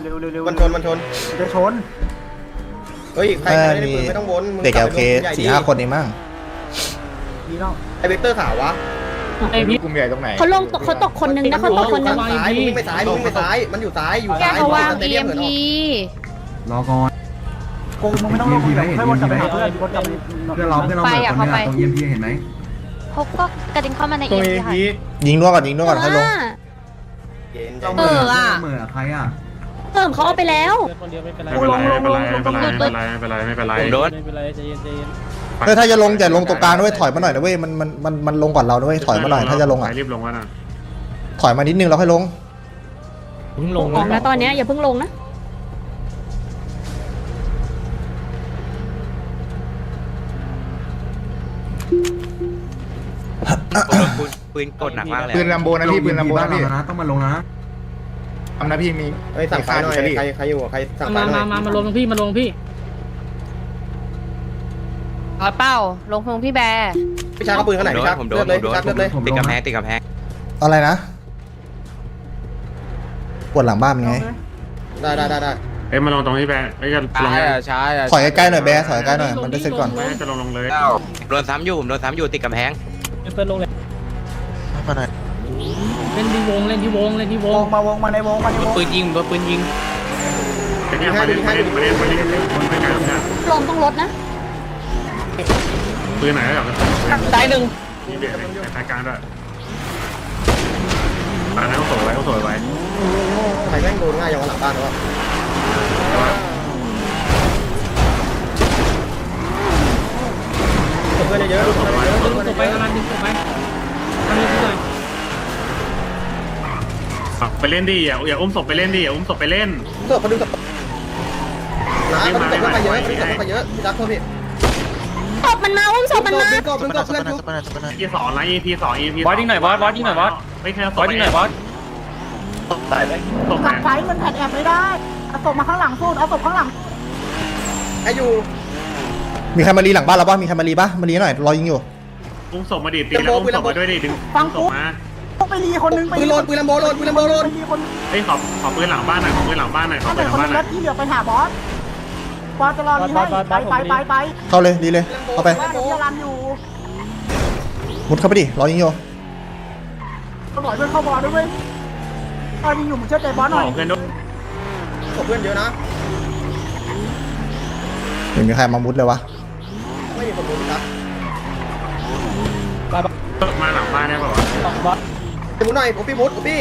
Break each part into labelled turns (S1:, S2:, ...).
S1: เร็วเร็วเร็ว
S2: มันชน
S1: จะชน
S2: เฮ้ยใครไม่ได้ปืนไม่ต้องวน
S3: เด็กโอเค4-5 คนเองมั้ง
S1: นี่น้อง
S2: ไอเวกเตอร์ขาววะ
S4: ไอพี่
S5: กลุ่มใหญ่ตรงไหน
S6: เขาตกคนนึงนะเขาตกคนนึง
S2: ซ้ายมึงวิ่งไปซ้ายมันอยู่ซ้ายอยู่
S6: แก
S2: ซ้าย
S6: เขาวาง
S2: สเตเดียมเหมือนออก
S7: รอก่อน
S1: โกงมึงไม่ต้องลงเดี๋ยวค่อยวนกลับไปหาเพื่อนวนกลับไป
S7: เพื่อนเราเหมือนคนนี้ตรง EMP เห็นไหม
S6: เขาก็กระดิ่งเข้ามาในเอ็มค่ะ
S3: ยิงด้วยก่อนให้ลง
S2: เย็น
S7: เหมือใครอ่ะ
S6: เติมเขาเอาไปแล้ว
S4: คนเดียวไม่เป็นไร
S1: กูลง
S4: ไม่เป็นไรใจเย็นใจเย็น
S3: เฮ้ยถ้าจะลงตรงกลางด้วยถอยมาหน่อยนะเว้ยมันลงก่อนเราด้วยถอยมาหน่อยถ้าจะลงอ่ะ
S5: รีบลงวะนะ
S3: ถอยมานิดนึงแล้วค่อยลง
S4: เพิ่งลง
S6: ออกนะตอนนี้อย่าเพิ่งลงนะ
S8: ปืนกดหนักมากเลย
S5: ปืนลัมโบนะพี่ปืนลัมโบนะพี่
S7: ต้องมาลงนะ
S5: ทำนะพี่มี
S2: เฮ้ยสั่งไฟหน่อยใครอยู่ใครสั่งไฟหน่อย
S4: มาลงพี่มาลงพี่
S6: เป้าลงพงพี่แบร์
S2: พี่ชักเอาปืนข้างไหนพี่ชัก
S8: ผมโด
S2: เลื
S8: น
S2: อกเลยพี่ชักเลือกเลย
S8: ติดกำแพงติดกำแพง
S3: อะไรนะปวดหลังบ้านเป็นไง
S2: ได้
S5: เอ้ยมาลงตรงที่แบร์เอ้ยจะลง
S3: ถอยใกล้ๆหน่อยแบร์ถอยใกล้หน่อยมันได้เสร็จก่อน
S5: ไม่จะลงเลย
S8: โดนซ้ำอยู่ติดกำแพง
S4: เฟิร์นลงเลยเล่นที่วง
S1: วงมาในวง
S8: ปืนยิง
S5: แต่เนี่ยมาเล่นไปกันเนี่ย
S6: ลงต้องลดนะ
S5: ปืนไหนก็แบบ
S4: ตายหนึ่ง
S5: มีเบียดในรายการด้วยร้านนั้นต้องสวยไว้
S2: ใครแม่งโดนง่ายอย่างหลังบ้านวะเพื่อนเยอะ
S4: ดึงตัวไปกำลังดึงตัวไปทำยังไง
S5: ไปเล่นดิอย่าอุ้มศพไปเล่นดิอย่าอุ้มศพไปเล่น
S2: เพื่อนเขาดึงน้าเขาดึงศพไปเยอะพี่ชักเพิ่มพี่
S6: ศพมันมาอุ้มศพมันมา
S2: ดึงศพเพื่อนชุบ
S5: EP 2นะ EP 2 EP
S4: บอสยิงหน่อยบอสยิงหน่อยบอส
S5: ไม่แค่
S4: บอสยิงหน่อยบอส
S5: ตายไปตก
S1: หลังไฟมันแผ่นแอบไม่ได้เอาศพมาข้างหลังสู้เอาศพข้างหลัง
S2: ไอ้อยู่
S3: มีใครมารีหลังบ้านเราบ้างมีใครมารีปะมารีหน่อยรอยิงอยู่
S5: อุ้มศพมาดิตีแล้วอุ้มศพมาด้วยดิดึงศพมา
S1: ต้องไปรีคนนึงไป
S2: ปืนโลนปืนลำโบโลน
S1: ไปรีคน
S5: เฮ้ยขอปืนหลังบ้านหน่อยขอปืนหลังบ้านหน่อยขอ
S1: ถ้า
S5: ปื
S1: เป็น
S5: นหลั
S1: ค
S5: ง
S1: น
S5: บ้านหน่อย
S1: นึงที่เหลือไปหาบอสบอสจะรอรีให้ไป
S3: เข้าเลยรีเลยเข้าไป
S1: เดี๋ยวรันอยู่
S3: มุดเข้าไปดิรอยิงอยู่
S1: ตำรวจเพื่อนเข้าบอสด้วยเว้ยตอนยิงอยู่มึงเชื่อใจบอสหน่อย
S5: เพื่อนด้วย
S2: ศพเพื่อนเยอะนะ
S3: เห็นมีใครมามุดเลยวะ
S2: ไม่มีคนรู้พี่ชัก
S5: มาหลังบ้านได้ป่าวะ
S4: บอส
S2: มุดหน่อยพี่มุดพี่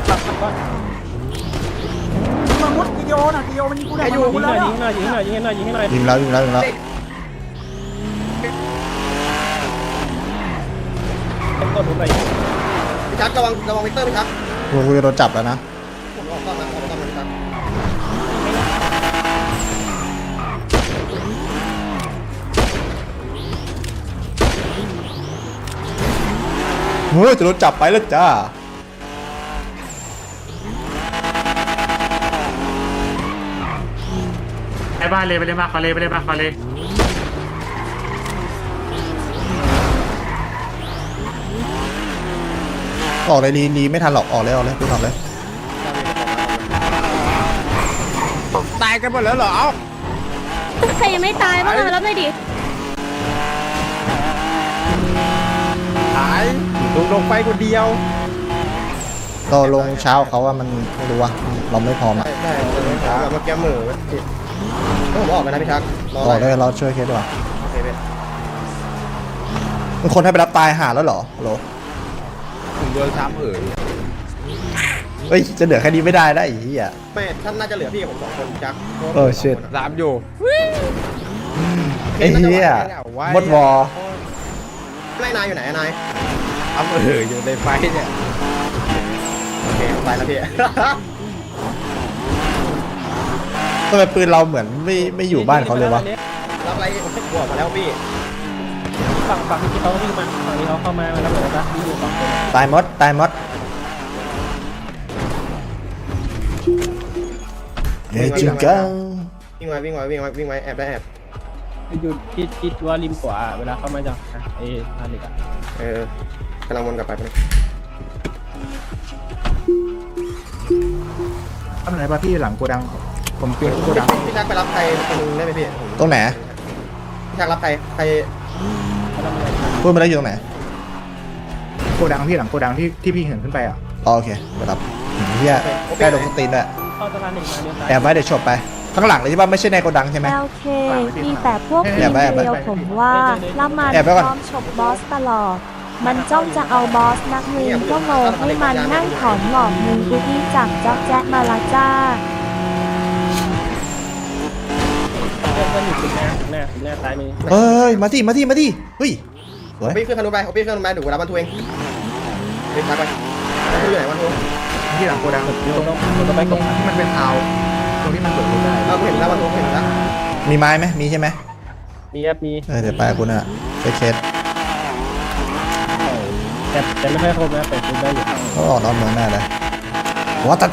S1: มึงมุดกิโยน่ะกิโยมันยิงกูได้อยู่
S4: ยิงหน่อยยิงหน่อยยิงหน่อยยิงหน่อยยิงหน่อย
S3: ยิงแล้ว
S4: กดลงไป
S2: พี่ชักระวังวิกเตอร์พี่ชัก
S3: กูจะโดนจับแล้วนะ
S2: ผมออกก่อนนะพี่ชัก
S3: เฮ้ยจะโดนจับไปแล้วจ้า
S5: ไอ้บ้านเลยไปเลยมาคาเลยไปเลยมาคาเลย
S3: ออกเลยรีไม่ทันหรอกออกเลยปืนออกเลย
S8: ตายกันหมดแล้วเหรอ
S6: ใครยังไม่ตายบ้างแล้วไม่ดิ
S8: ลงไปคนเดียว
S3: เราลงเช้าเขาว่ามันไม่รู้ว่าเราไม่พร้อมอ่ะ
S2: ได้แบบมาแก้มือผมออกกันนะพี่ชัก
S3: ออกเลยเราช่วยเคสดีกว่า
S2: โอเคพี่
S3: มีคนให้ไปรับตายหาแล้วเหรอโหล
S8: ผมโดนซ้ำ
S3: เฮ้ยจะเหลือแค่นี้ไม่ได้ได้อีกอ่ะ
S2: ไม่ท่านน่าจะเหลือพี่กับผม2 คนพี่ชัก
S3: shit
S8: ซ้ำอยู่
S3: ไอ้เหี้ยมดวอ
S2: ไล่นายอยู่ไหนนาย
S8: อยู่ในไฟเนี่ย
S2: โอเคไปแล้วพี่
S3: ทำไมปืนเราเหมือนไม่อยู่บ้านเขาเลยวะ
S2: รับอะไรบวกมาแล้วพี่
S4: ฝั่งที่เขาวิ่งมาฝั่งที่เขาเข้ามาแล้วบอกว่าอยู่ฝั่งคน
S3: ตายมดเฮ้ยจริงจัง
S2: วิ่งไว้แอบได้แอบ
S4: อยู่ที่ว่าริมขวาเวลาเข้ามาจากไอ้ท่าเหล็กอ่ะ
S2: กำลังวนกลับไป
S1: ทำไหนป่ะพี่หลังโกดังผมเปลี่ยนโกดัง
S2: พี่ชักไปรับใครคนนึงได้ไหมพี่
S3: ตรงไหน
S2: พี่ชักรับใคร
S3: พูดมาได้อยู่ตรงไหน
S1: โกดังพี่หลังโกดังที่พี่เห็นขึ้นไปอ่ะ
S3: อ๋อโอเคไปรับเฮียใกล้โดนสตีนด้วย
S4: เข้าสะพานหนึ่งมาเดียวซ้าย
S3: แอบไว้เดี๋ยวฉบไปข้างหลังเลยใช่ป่ะไม่ใช่ในโกดังใช่ไหม
S9: โอเคมีแต่พวก
S3: แอ
S9: ที
S3: บ
S9: ม
S3: ไว้แอบไว้
S9: เดียวผมว่าละมัน
S3: แอบไว้ก่อน
S9: พร้อมฉบบอสตลอด มันจ้องจะเอาบอสนักเลงก็โง่ให้มันนั่งถอนหงอกมือกูที่จับจ๊อกแจ๊กมาละจ้า
S4: เพื่อนอยู่ถึงหน้าซ้ายมือ
S3: เอ้ยมาที่เฮ้ยสวย
S2: พี่ขึ้นคันนู้นไปพี่ขึ้นคันนู้นไปดูรับวันทูเองพี่ชักไปวันทูอยู่ไหนวันทู
S1: ที่หลังโกดัง
S4: ต้องไปก
S1: ตร
S4: ด
S1: งที่มันเป็นเท้าตรงที่มันเบิกรถได้
S2: เราเห็นแล้ววันทูเห็นแล้ว
S3: มีไม้ไหมมีใช่ไหม
S4: มีครับมี
S3: เดี๋ยวไปกับคุณน่ะเคส
S4: แต่ไม่ค่อยครบนะแต่ครบได้อยู่
S3: เขาออกนอกเมืองแน่เลยว้าตา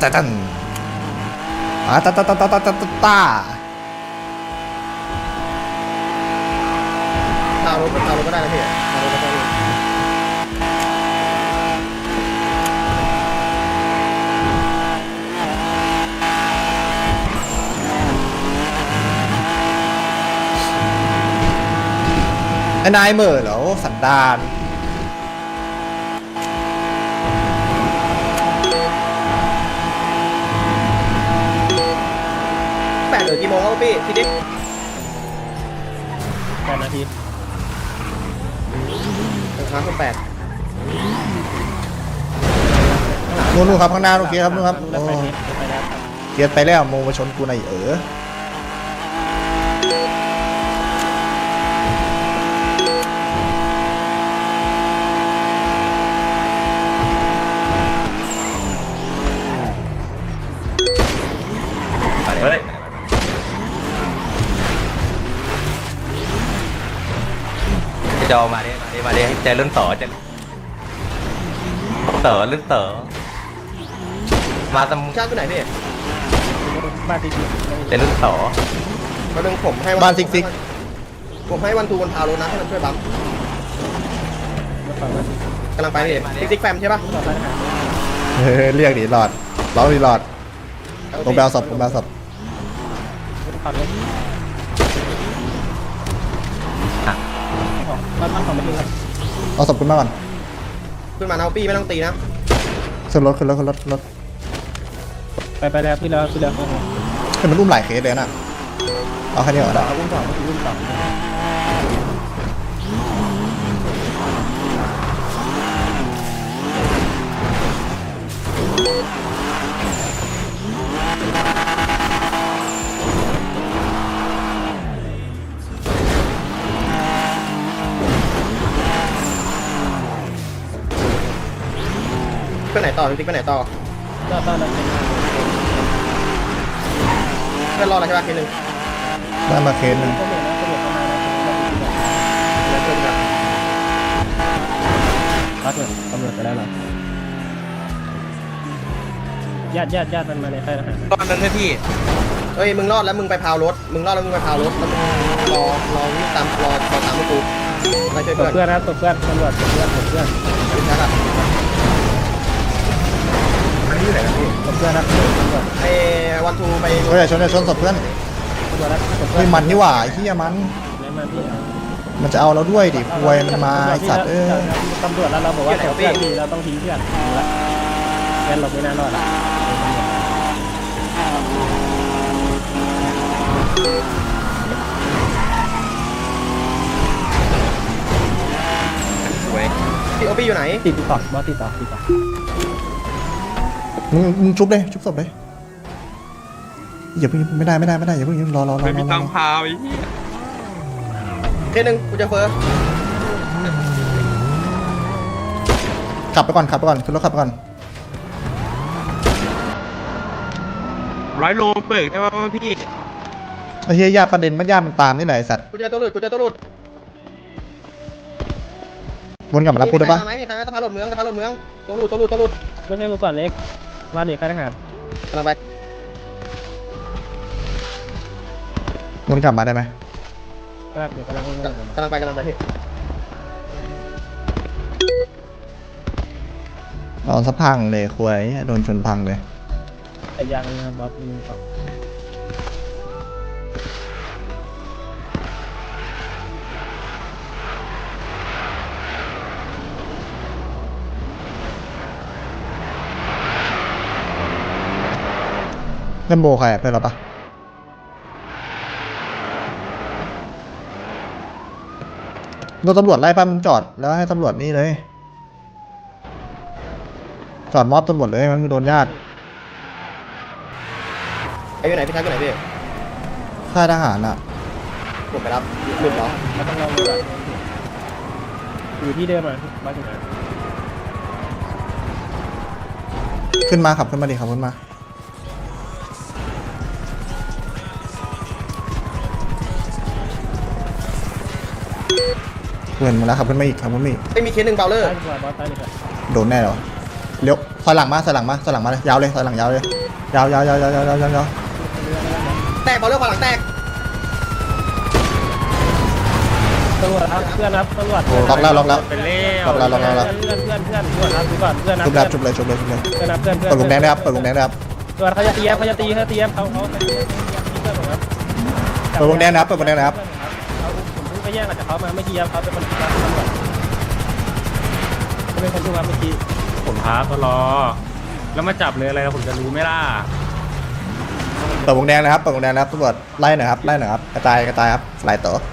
S2: พารถก็ได้นะพี่พารถก็ได้
S3: ไอ้นายเหม่อเหรอสันดาน
S2: 8 หรือกี่โมงครับพี่ทีนี้
S4: 8 นาที
S2: ครับคุณ8
S3: นู่นครับข้างหน้าโอเคครับนู่นครับ
S4: แล้วไปนี้ไปแล้ว
S3: เกียร์ไปแล้วโมมาชนกูหน่อย
S5: เฮ้ย
S8: จะเอามาดิมาดิให้ใจรุ่นต่อจะเต๋อรุ่นเต๋อมาตำ
S2: ชาติตัวไหนพี่
S4: บ้านที่
S8: ใจรุ่นต่อ
S2: มาดึงผมให้ผมให้วันทูบนพารถนะให้มันช่วยบัม
S4: ฝั่งบ้านที่
S2: กำลังไปพี่ซิกแฟมใช่ป่ะ
S4: ต่อไปหา
S3: เรียกดิหลอดร้องดิหลอดตรงแบลศพ
S4: ขับรถบ้านของไม่ถึงครับ
S3: เอาศพคุณมาก่อน
S2: ขึ้นมานะปี้ไม่ต้องตีนะ
S3: ขึ้นรถ
S4: ไปแล้วพี่แล้ว
S3: ให้มันอุ้มหลายเคสเลยน่ะเอาแค่นี้ก่อนนะ
S4: อุ้มต่อ
S2: ไปไหนต่อซิกไปไหนต่อ
S4: ก็ตอนนั้น
S2: เพื่อนรอแล้วใช่ป่ะทีนึง
S3: ได้มาเคสหนึ่ง
S4: ก็เหมือนนะก็เหมือนประมาณนั้น
S2: แล้วเพื่อนแบบ
S4: พักเลยตำรวจไปแล้วเหรอญาติมันมาในค่ายทหาร
S8: ตอนนั้นพี่
S2: เอ้ยมึงรอดแล้วมึงไปพาวรถแล้วมึงรอวิ่งตามรอตามกูไปช่วย
S4: ตบ
S2: เพื่อน
S4: เพื่อนนะตบเพื่อนตำรวจตบเพื่อน
S2: ชักอ่ะ
S1: อันนี้อยู่ไหนครับพี่
S4: ตบเพื่อนนะตำรวจ
S2: ไอ้วันทูไป
S3: เฮ้ยอย่าชนศพเพื่อน
S4: ตำรวจนะตบเพื่
S3: เฮ้
S4: อย น
S3: มันนี่หว่าไอ้เหี้ยมัน
S4: ไม่มาพี่
S3: มันจะเอาเราด้วยดิควยมันมาไอ้สัตว์
S4: ตำรวจแล้วเราบอกว่าตบเพื่อนดีเราต้องทิ้งเพื่อนละงั้นเราไม่น่ารอดละ
S8: สวย
S2: พี่โอปี้อยู่ไหน
S4: ติดต่อบอสติดต่อ
S3: มึงชุบเลยชุบศพเลยอย่าเพิ่งไม่ได้อย่าเพิ่งรอ
S8: ไม่มีตังพาวไอ้
S2: เคสหนึ่งกูจะเฟอร์
S3: ขับไปก่อนขึ้นรถขับไปก่อน
S8: 100 โลเบิกได้ป่ะพี่
S3: ไอ้เหี้ยญาติประเด็นมันญาติมันตามนี่แหละไอ้สัตว์
S2: กูเจอตัวหลุด
S3: วนกลับมารับกูได้ปะ
S2: ไหมมีใครไหมสะพานหลุดเมืองตัวหลุด
S4: ไม่ใช่กูก่อนเล็กว่าเด็กค่ายทหาร
S2: กำลังไป
S3: วนกลับมาได้ไหม
S4: ครับเดี๋ยวกำลัง
S2: ไปพี่
S3: นอนสะพังเลยควยโดนชนพังเลย
S4: แต่ยังนะบอสมึงต่อ
S3: นั่นโบใครอะเป็นหรอปะโดนตำรวจไล่ป้ามึงจอดแล้วให้ตำรวจนี่เลย จอดมอบตำรวจเลยมันโดนญาติ
S2: ไอ้อยู่ไหนพี่ทักอยู่ไหนพี่
S3: ค่ายทหารอ่ะ
S2: ผมไปรับหลุดเหรอ
S4: เราต้องลองดูก่อนอยู่ที่เดิมอ่ะมาถึงไหน
S3: ขึ้นมาขับขึ้นมาดิขับขึ้นมาเพื่อนมาแล้วขับขึ้นมาอีกขับขึ้นมาอีก
S2: ไม่มีเคสหนึ่งเบลเลอร์
S4: ใต้ดีกว่าบอสใต้ดีกว่า
S3: โดนแน่เหรอเลี้ยวถอยหลังมาถอยหลังมาถอยหลังมาเลยยาวเลยถอยหลังยาวเลยยาวยาวยาวยาวยาวยาวยาว
S2: แตกเบลเลอร์ขวาหลังแตก
S4: ตำรวจครับเพื่อนครับตำรวจ
S3: ล็อกแล้วล็อกแล้ว
S5: เป็นเล่
S3: ล็อกแล้วล็อกแล้ว
S4: เพื่อนตำรวจครับดูก่อนเพื่อนนะ
S3: ชุบแล้วชุบเลยชุบเลยชุบเลย
S4: เพื่อนนะเพื่อน
S3: เปิดวงแดงได้ครับเปิดวงแดงได้ครับ
S4: ตำรวจเขาจะตีเขาจะตีเขาตีเขาเพื่อนผมครับ
S3: เปิดวงแดงนะครับเปิดวงแดงนะครับ
S4: ผมเพิ่งไปแย่งกับเขามาเมื่อกี้ครับเขาเป็นคนตีตำรวจเขาเป็นคนพูดมาเมื่อกี้
S5: ผมท้าตลอแล้วมาจับเลยอะไรผมจะรู้ไหมล่ะ
S3: เปิดวงแดงนะครับเปิดวงแดงนะครับตำรวจไล่หน่อยครับไล่หน่อยครับกระจายกระจายครับไล่ต่อ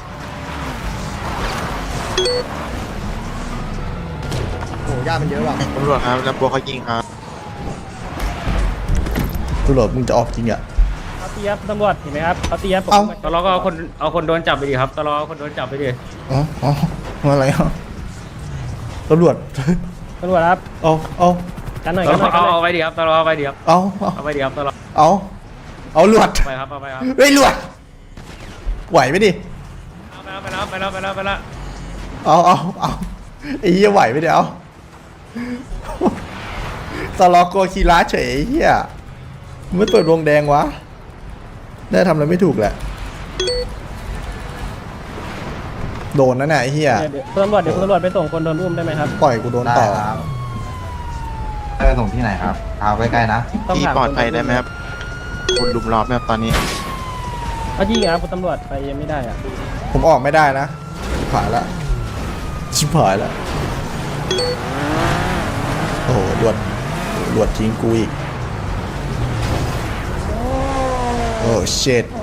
S2: โอ้ยามันเยอะว่ะ
S8: ตำรวจครับแล้วบัวเขายิงครับ
S3: ตำรวจมึงจะออกจริงอ่ะ
S4: เขาตีครับตำรวจเห็นไหมครับเขาตีครับผม
S3: เอ้า
S5: ตลอก็เอาคนโดนจับไปดิครับตลอเอาคนโดนจับไปดิ
S3: อ๋ออ๋ออะไรอ่ะตำรวจ
S4: ตำรวจครับ
S3: เอา
S4: กันหน่อย
S5: ต
S4: กัน
S5: ล
S4: หน่อยกันหน่อย
S5: เอาไปดิครับตลอเอาไปดิครับ
S3: เอา
S5: เอาไปดิครับตลอ
S3: เอาหลวด
S5: ไปครับเอาไปครับ
S3: เฮ้ยหลวดไหวไหมดิ
S5: ไปแล้วไปแล้วไปแล้วไปแล้ว
S3: เอาไอ้เหี้ยไหวไหมเดี๋ยวตลอกโกคีระเฉยไอ้เหี้ยไม่เปิดวงแดงวะได้ทำอะไรไม่ถูกแหละโดนนะเนี่ยไอ้เหี้ย
S4: เดี๋ยวคุณตำรวจเดี๋ยวคุณตำรวจไปส่งคนโดนอุ้มได้ไหมครับ
S3: ปล่อยกูโดนต่อ
S8: ไปส่งที่ไหนครับเอาใกล้ๆนะ
S4: ต้องถาม
S8: ปลอดภัยได้ไหมครับคุณลุมล้อมไหมครับตอนนี้
S4: เขายิงครับคุณตำรวจไปยังไม่ได้อ่ะ
S3: ผมออกไม่ได้นะชิบหายละชิบหายละโอ้โหหลวดทิ้งกูอีกโอ้เชิด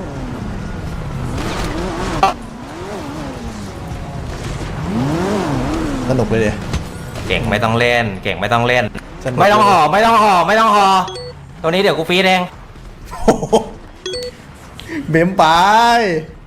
S3: สนุกเลยดิ
S8: เก่งไม่ต้องเล่น เก่งไม่ต้องเล่น
S3: สนุก
S8: ไม่ต้องห่อไม่ต้องห่อไม่ต้องห่อตัวนี้เดี๋ยวกูฟีดเอง
S3: โอ้โหเบมไป